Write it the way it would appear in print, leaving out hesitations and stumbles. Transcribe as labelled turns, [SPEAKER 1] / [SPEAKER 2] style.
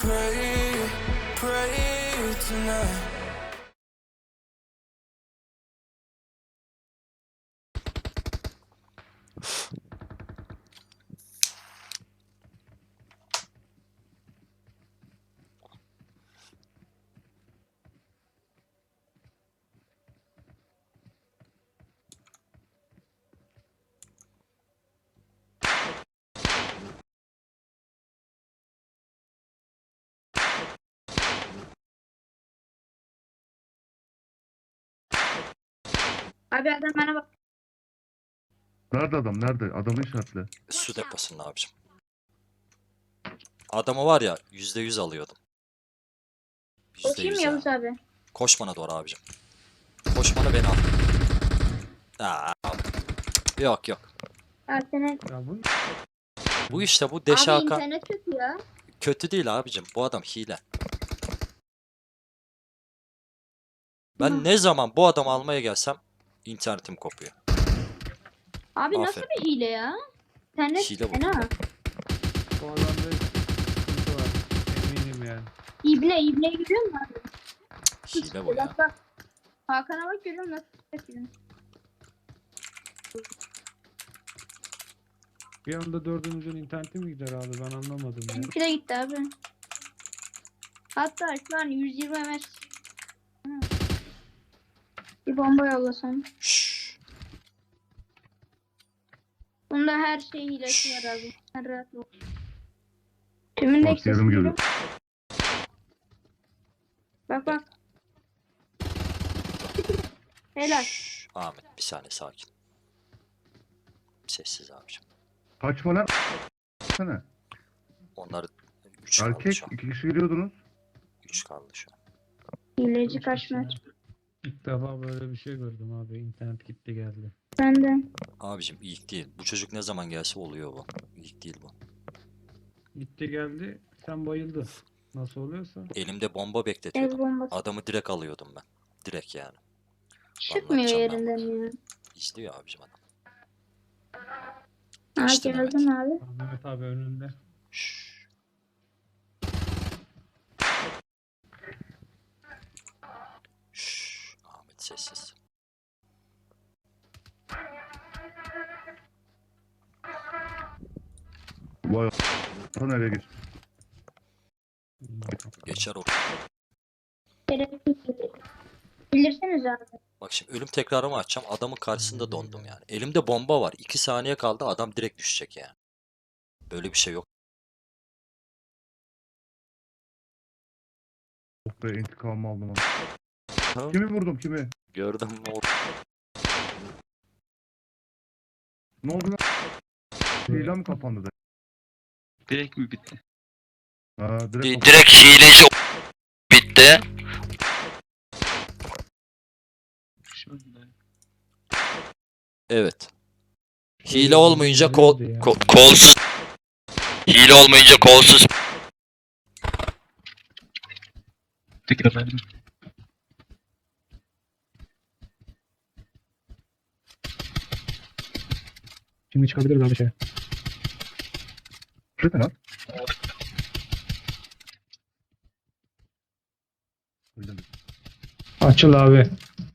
[SPEAKER 1] pray, pray tonight.
[SPEAKER 2] Abi adam bana bak.
[SPEAKER 3] Nerede adam? Nerede? Adamı işaretle.
[SPEAKER 4] Su deposunda abicim. Adamı var ya %100 alıyordum.
[SPEAKER 2] Koşayım
[SPEAKER 4] %100
[SPEAKER 2] Yavuz
[SPEAKER 4] ya.
[SPEAKER 2] abi.
[SPEAKER 4] Koş bana doğru abicim. Koş bana beni al. Aa, yok yok.
[SPEAKER 2] Abi senin...
[SPEAKER 3] Ya bu
[SPEAKER 4] Bu işte bu
[SPEAKER 2] Abi
[SPEAKER 4] Deşakan
[SPEAKER 2] internet kötü ya.
[SPEAKER 4] kötü değil abicim. Bu adam hile. Ben ne zaman bu adamı almaya gelsem internetim kopuyor.
[SPEAKER 2] Abi nasıl
[SPEAKER 4] Aferin.
[SPEAKER 2] bir hile ya? İnternet
[SPEAKER 4] Hile bu.
[SPEAKER 2] fena.
[SPEAKER 5] Bu adamda sıkıntı var. Eminim yani.
[SPEAKER 2] İbne görüyor musun abi?
[SPEAKER 4] Hile bu ya.
[SPEAKER 2] Bak bak. Hakan'a bak görüyor musun? Nasıl yapıyor?
[SPEAKER 5] Bir anda dördümüzün interneti mi gider abi? Ben anlamadım ya.
[SPEAKER 2] Benimki de gitti abi. Hatta şu an 120 ms. Bir bomba yollasam.
[SPEAKER 4] Şşş.
[SPEAKER 2] Bunda her şey hilesi var abi. Sen rahat ol. Tümün de
[SPEAKER 3] bak yarım geliyor.
[SPEAKER 2] Bak bak. Helal.
[SPEAKER 4] Şşş. Ahmet bir saniye sakin. Sessiz abicim.
[SPEAKER 3] Kaçma lan. Sana.
[SPEAKER 4] Onlar 3 kaldı
[SPEAKER 3] Erkek
[SPEAKER 4] şu an.
[SPEAKER 3] 2 kişi geliyordunuz.
[SPEAKER 4] 3 kaldı şu an.
[SPEAKER 2] Hileci kaçmıyor.
[SPEAKER 5] İlk defa böyle bir şey gördüm abi. İnternet gitti geldi.
[SPEAKER 2] Ben de.
[SPEAKER 4] Abicim ilk değil. Bu çocuk ne zaman gelse oluyor bu. İlk değil bu.
[SPEAKER 5] Gitti geldi. Sen bayıldın. Nasıl oluyorsa.
[SPEAKER 4] Elimde bomba
[SPEAKER 2] El
[SPEAKER 4] bekletiyordum.
[SPEAKER 2] bombası.
[SPEAKER 4] Adamı direkt alıyordum ben. Direkt yani.
[SPEAKER 2] Çıkmıyor
[SPEAKER 4] Anlatacağım ben
[SPEAKER 2] yerinden ya.
[SPEAKER 4] İzliyor abicim adam.
[SPEAKER 2] Ha
[SPEAKER 4] Geçti
[SPEAKER 2] gördün abi.
[SPEAKER 5] Mehmet abi önünde.
[SPEAKER 4] Şşş. Şşş. Ahmet sessiz.
[SPEAKER 3] Vay a**. Nereye geç?
[SPEAKER 4] Geçer o.
[SPEAKER 2] Bilirsiniz abi.
[SPEAKER 4] Bak şimdi ölüm tekrarımı açacağım. Adamın karşısında dondum yani. Elimde bomba var. 2 saniye kaldı. Adam direkt düşecek yani. Böyle bir şey yok.
[SPEAKER 3] Oh be intikamımı aldım onu.
[SPEAKER 4] Ha?
[SPEAKER 3] Kimi vurdum kimi?
[SPEAKER 4] Gördüm mü?
[SPEAKER 3] Ne oldu lan? Hile mi kapandı da?
[SPEAKER 6] Direkt mi bitti?
[SPEAKER 3] Ha direkt
[SPEAKER 6] Direkt hileci bitti. Şöyle.
[SPEAKER 4] Evet. Hile olmayınca
[SPEAKER 6] Kolsuz. Hile olmayınca kolsuz. Tekrar efendim.
[SPEAKER 5] Şimdi çıkabiliriz abi şey.
[SPEAKER 3] kapandı lan. Öyle mi?
[SPEAKER 5] Açıl abi.